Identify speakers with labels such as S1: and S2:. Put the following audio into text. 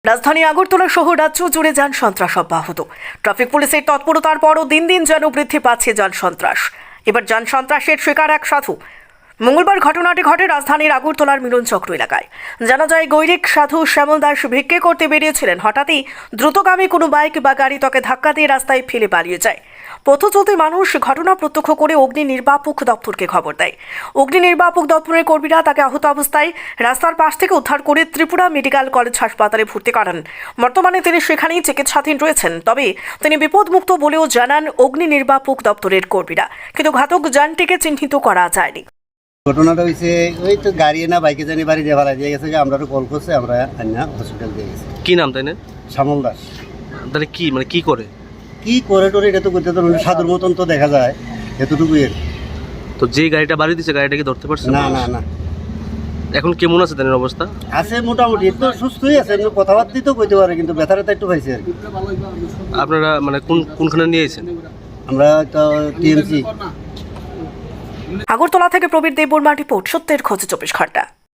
S1: রাজধানী আগরতলা সহ রাজ্য জুড়ে যান সন্ত্রাস অব্যাহত। ট্রাফিক পুলিশের তৎপরতার পরও দিন দিন যেন বৃদ্ধি পাচ্ছে যান সন্ত্রাস। এবার যান সন্ত্রাসের শিকার এক সাধু। মঙ্গলবার ঘটনাটি ঘটে রাজধানীর আগরতলার মিলনচক্র এলাকায়। জানা যায়, গৈরিক সাধু শ্যামল দাস ভিক্ষে করতে বেরিয়েছিলেন। হঠাৎই দ্রুতগামী কোনো বাইক বা গাড়ি তাকে ধাক্কা দিয়ে রাস্তায় ফেলে পালিয়ে যায়। পথ চলতি মানুষ ঘটনা প্রত্যক্ষ করে অগ্নি নির্বাপক দপ্তরকে খবর দেয়। অগ্নি নির্বাপক দপ্তরের কর্মীরা তাকে আহত অবস্থায় রাস্তার পাশ থেকে উদ্ধার করে ত্রিপুরা মেডিকেল কলেজ হাসপাতালে ভর্তি করান। বর্তমানে তিনি সেখানেই চিকিৎসাধীন রয়েছেন। তবে তিনি বিপদমুক্ত বলেও জানান অগ্নি নির্বাপক দপ্তরের কর্মীরা, কিন্তু ঘাতক যানটিকে চিহ্নিত করা যায়নি।
S2: ঘটনাটা হয়েছে ওই তো গাড়ি না বাইকে জানি বাড়ি দিয়ে ফেলা দিয়ে গেছে, আমরা তো কল করছে, আমরা আন্না হসপিটাল দিয়ে গেছি।
S3: কি নাম তাই না?
S2: শ্যামল দাস।
S3: তাহলে কি মানে কি করে
S2: টোরে এটা তো করতে তো সাধুর মতন তো দেখা যায়, এতটুকু এর।
S3: তো যে গাড়িটা বাড়ি দিচ্ছে গাড়িটাকে ধরতে পারছে
S2: না না না
S3: এখন কেমন আছে তাদের অবস্থা?
S2: আছে মোটামুটি, একটু সুস্থই আছে, এমনি কথাবার্তাই তো কইতে পারে, কিন্তু ব্যথাটা একটু পাইছে আর কি।
S3: আপনারা মানে কোনখানে নিয়ে এসেছেন?
S2: আমরা তো টিএমসি।
S1: আগরতলা থেকে প্রবীর দেববর্মা রিপোর্ট, সত্যের খোঁজে 24 ঘন্টা।